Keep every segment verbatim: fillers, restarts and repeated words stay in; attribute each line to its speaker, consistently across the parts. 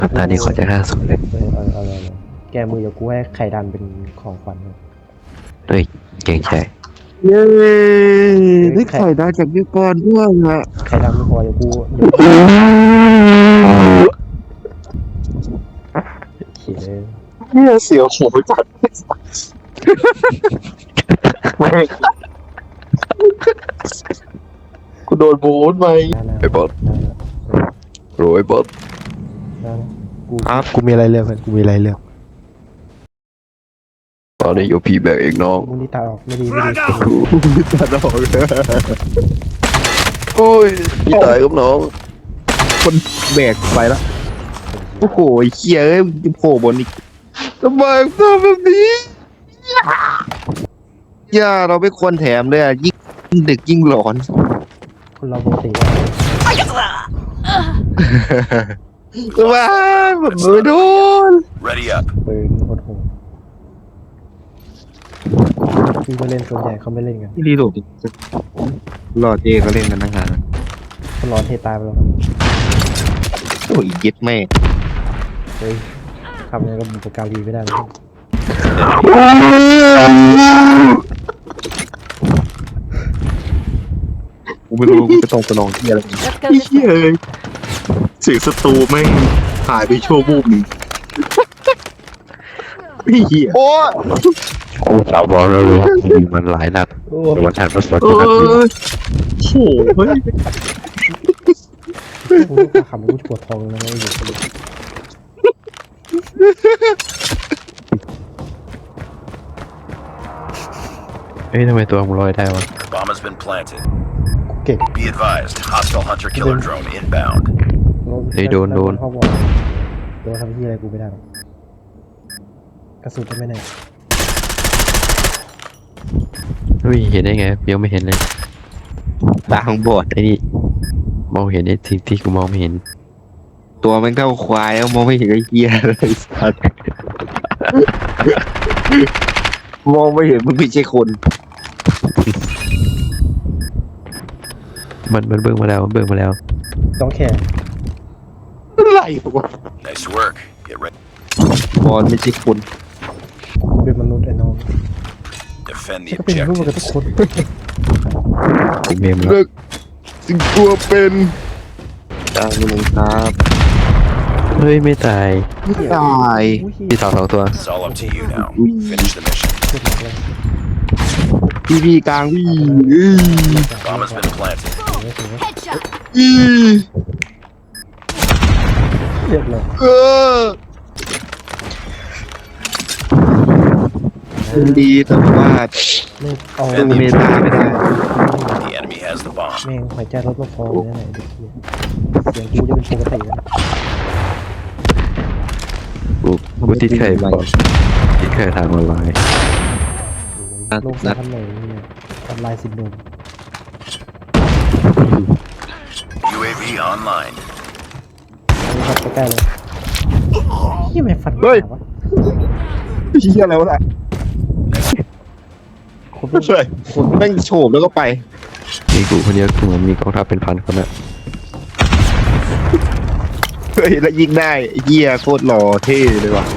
Speaker 1: ตานี้ขอจะห้าสุดเลย
Speaker 2: เออเอาเอาเอาแกมือเดี๋ยวกูให้ไข่ดันเป็นของขวัญเลย
Speaker 1: เฮ้ยเก่งใจ
Speaker 3: เย้ได้ไข่ดาวจากพี่ปอนด้วยฮะ
Speaker 2: ไข่ดันไม่พอเดี๋ยวกูเดี๋ยวเขียนเลย
Speaker 3: เนี่ยเสียวหัวจัดแม่งกูโดนบูทไป
Speaker 1: ไอ้บอสโรยบอส
Speaker 2: กูกูมีอะไรเลือกเพื่อนกูมีอะไรเลือก
Speaker 1: ตอนนี้อยู่พี่แบกเองน้อง
Speaker 2: มึงนี่ตาออกไม่ดีไม่ดี
Speaker 3: ตัดออกเลย
Speaker 1: โอ้ยพี่ตายกับน้อง
Speaker 3: คนแบกไปแล้วโอ้โหเขี้ยเอ้ยจะโผล่บนอีกทำไมทำแบบนี้ย่าเราไม่ควรแถมเลยอ่ะยิ่งดึกยิ่งหลอน
Speaker 2: คนเราปกติ
Speaker 3: ว้าแบบมือโดน
Speaker 4: Ready up.
Speaker 2: ปืนโคตรโหดพี่ก็เล่นส่วนใหญ่เขาไม่เล่นกัน
Speaker 3: ที่รีโหลดอีกรอเจก็เล่นกันตั้งนานแล้ว
Speaker 2: เขาร้อนเทตายไปแล้วครับ
Speaker 3: โอ้ยเย็ดแม่
Speaker 2: เฮ้ยทำยังไงก็บุปการีไม่ได้เลย
Speaker 3: กูไม่รู้กูจะต้องไปลองที่อะไร
Speaker 5: Let's go
Speaker 3: ไอ้
Speaker 5: this
Speaker 3: เหี้ย
Speaker 5: way.
Speaker 3: เอ้ยเสียงศัตรูแม่งหายไปชั่ววูบหนึ่งไอ้เหี้ยโอ้
Speaker 1: โอ้สาวบอลเรารู้ยิงมันหลายนัด
Speaker 2: โอ้
Speaker 1: แต่วันถัดมาสด
Speaker 3: เอ
Speaker 1: นัดยิง
Speaker 3: อโหเฮ้ย
Speaker 2: กูต้องขำกูปวดท้องแล้วไม่อยู่
Speaker 1: เฮ้ยทำไมตัวมึงลอยได้วะ
Speaker 4: Bomb has been planted.
Speaker 2: กูเก่ง
Speaker 4: Be advised, hostile hunter-killer drone inbound.
Speaker 1: เฮ้ยโดนโดน
Speaker 2: พ่อบอกโดนทำที่อะไรกูไม่ได้หรอกกระสุนก็ไม่แน่
Speaker 1: เฮ้ยเห็นได้ไงยังไม่เห็นเลย
Speaker 3: ตาของบอด
Speaker 1: ไอ้นี่มองเห็นไอ้สิ่งที่กูมองไม่เห็น
Speaker 3: ตัวมันเท่าควายแล้วมองไม่เห็นไอ้เหี้ยเลยสัสมองไม่เห็นมึงไม่ใช่คน
Speaker 1: มันมันเบิ่งมาแล้วมันเบิ่งมาแล้ว
Speaker 2: ต้องแข่
Speaker 3: อะไรวะ
Speaker 4: Nice work. Get ready.
Speaker 3: บอลไม่ใช่คน
Speaker 2: เป็นมนุษย์ไอ้น้อง
Speaker 4: Defend
Speaker 2: ฉัน
Speaker 4: the
Speaker 2: ก็เป็นมนุษย์กับทุก
Speaker 4: objectives.
Speaker 2: คน
Speaker 1: กูเมมแล้ว
Speaker 3: เลิกสิ่งตัวเป็นตายมึงครับ
Speaker 1: เฮ้ยไม่ตาย
Speaker 3: ตาย
Speaker 1: พี่สาวสองตัว
Speaker 4: It's all up to you now. Finish the mission.
Speaker 2: เจ็บหนักเลย
Speaker 3: พี่พี่กลางวิ่งอื้อ
Speaker 4: Bomb has been planted.
Speaker 2: ไม่ถึง
Speaker 5: Headshot.
Speaker 3: อื้อ
Speaker 2: เรียบเลย
Speaker 3: เออดีแต่ว่า
Speaker 2: ไม่เอา
Speaker 3: ดูเมตาไม่ได้
Speaker 4: The enemy has the bomb.
Speaker 2: แม่งหายใจลดลงคอเลยนะไหนเด็กเสียงกูจะเป็นปกติแล้ว
Speaker 1: กูกูติดเคยบอกติดเคยทางออนไลน์
Speaker 2: โลกสะพันไหนเนี่ยออนไลน์ซินโดรม
Speaker 4: U A V online.
Speaker 2: อันนี้ครับใกล้ๆเลยที่ไม่ฟัน
Speaker 3: เฮ้ย
Speaker 2: วะ
Speaker 3: เฮียอะไรวะล่ะ
Speaker 2: คน
Speaker 3: เฮ้ยคนแม่งโฉบแล้วก็ไป
Speaker 1: มีกูคนเดียวกูเหมือนมีกองทัพเป็นพันคนอะ
Speaker 3: เฮ้ยแล้วยิงได้ไอ้เฮียโคตรหล่อเท่เลยว่ะ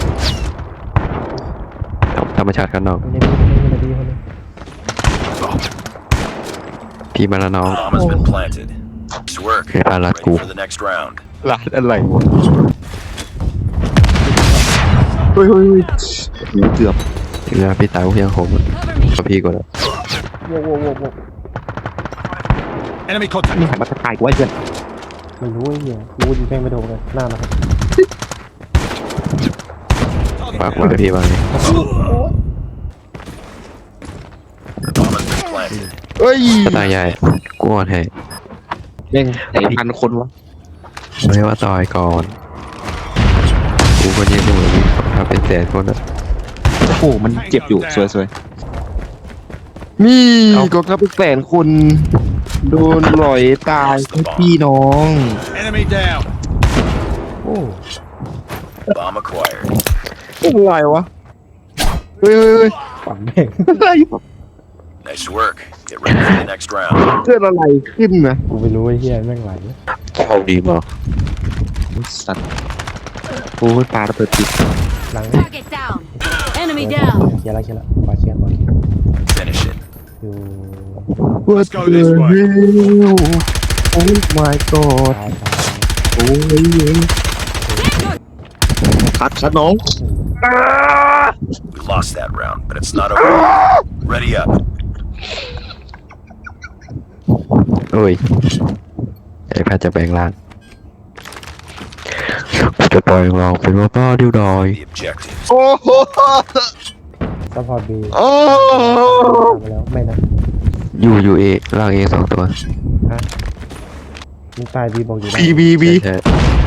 Speaker 1: ธรรมชาติกันน้อง
Speaker 2: คนนี้คนนี้คนนี้คนนี้
Speaker 1: พี่มาแล้วน้อง
Speaker 4: Bomb has been planted. Nice work.
Speaker 1: Okay, I like
Speaker 4: Ready
Speaker 1: cool.
Speaker 4: for the next round.
Speaker 3: ร้านอะไรวะเฮ้ยเฮ้ยเฮ้ยโอ้โหเกือบ
Speaker 1: ถึงเวลาพี่ตายกูยังโหม
Speaker 5: Cover me.
Speaker 1: กับพี่ก่อนแล้ว
Speaker 2: โว้โว้โว้โว้
Speaker 4: Enemy
Speaker 3: นี่หันมาทักทายกูไอ้เพื่อน
Speaker 2: ไม่รู้ไอ้เหี้ยรู้ยิงแม่งไม่โดนเลยหน้านะครับ
Speaker 1: ฝากไว้พี่บ้างนี่
Speaker 4: Bomb has been planted.
Speaker 3: เฮ้ย
Speaker 1: ตายใหญ่กูอ่อนให้
Speaker 3: แม่งไอ้พันคนวะ
Speaker 1: ไม่ว่าต่อยก่อนกูคนยังเหมือนมีกองทัพเป็นแสนคนอะ
Speaker 3: โอ้โหมันเจ็บอยู่สวยๆนี่กองทัพเป็นแสนคนโดนหลอยตายพี่น้อง
Speaker 4: Enemy down.
Speaker 2: โอ้
Speaker 4: Bomb acquired.
Speaker 3: อะไรวะเฮ้ยเฮ้ยเฮ้ย
Speaker 2: ฝังแม่ง
Speaker 3: อะไร
Speaker 4: Nice work. Get ready for the next round.
Speaker 3: เกิดอะไรขึ้นนะ
Speaker 2: กูไม่รู้ไอ้เหี้ยแม่งไหล
Speaker 1: เข้าดีมั้ง
Speaker 3: สัตว์โอ้ยปลาระเบิดติด
Speaker 2: หลัง
Speaker 5: Target down. Enemy
Speaker 2: เคลี
Speaker 5: down.
Speaker 2: ยร์แล้วเคลียร์แล้วขวาเคลียร์ขวาเคลียร์
Speaker 4: Finish it.
Speaker 2: อยู่
Speaker 3: What
Speaker 4: go
Speaker 3: the
Speaker 4: this way.
Speaker 3: hell Oh my god
Speaker 2: ซ้ายซ้าย
Speaker 3: โอ้ยคัดคัดน้อง
Speaker 4: We lost that round, but it's not over. Ready up.
Speaker 1: โอ้ยไอ้แพทย์จะแปลงร่างกูจะปล่อยเราเป็นว่าป้าดิ้วดอย
Speaker 4: The objectives.
Speaker 3: โอ้โห
Speaker 2: ซัพพอร์ตบี
Speaker 3: โอ้
Speaker 2: ทำไปแล้วไม่นะ
Speaker 1: อยู่อยู่เอร่างเอสองตัว
Speaker 2: ฮะมึงตายบีบอกอยู่ได้
Speaker 3: บีบีบี
Speaker 1: ใช่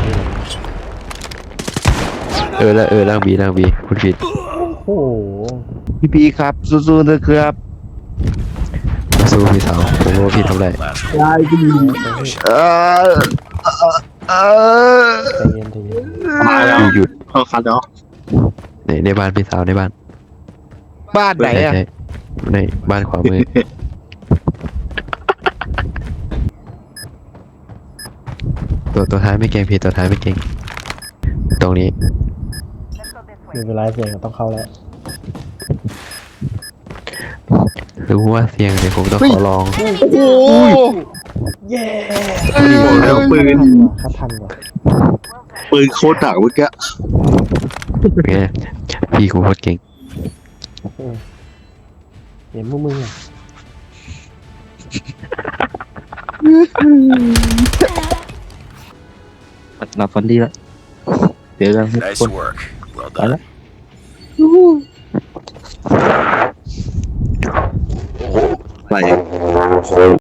Speaker 1: เออแล้วเออร่างบีร่างบีคุณผิด
Speaker 2: โอ้โห
Speaker 3: พี่พีครับสู้ๆนะครับ
Speaker 1: สู้พี่สาวผมรู้ว่าพี่ทำไร
Speaker 4: Last
Speaker 3: ได้พี่เออเออ
Speaker 2: ใจเย็นใจเย็น
Speaker 3: มาแล้ว
Speaker 1: อยู่หยุด
Speaker 3: เขาคัดเนาะ
Speaker 1: ในในบ้านพี่สาวในบ้าน
Speaker 3: บ้านไหน
Speaker 1: ใช่
Speaker 3: อ่ะ
Speaker 1: ใช่ในบ้านขวามือ ตัวตัวท้ายไม่เก่งพี่ตัวท้ายไม่เก่งตรงนี้
Speaker 2: มีเวลาเสียงต้องเข้าแล้ว
Speaker 1: รู้ว่าเสียงเดี๋ยวผมต้องขอลอง
Speaker 3: โอ้ย
Speaker 2: เย้
Speaker 3: แล้วปืน
Speaker 2: คัดทันว่ะ
Speaker 3: ปืนโคตรหนักเมื่อกี้
Speaker 1: ไงพี่กูโคตรเก่ง
Speaker 2: เออเห็นมึงมึงอ่ะ
Speaker 3: หลับฝันดีแล้วเดี๋ยวกันทุก
Speaker 4: Nice
Speaker 3: คน
Speaker 4: work. Well
Speaker 3: ไปแล้ว
Speaker 4: done.
Speaker 3: ไป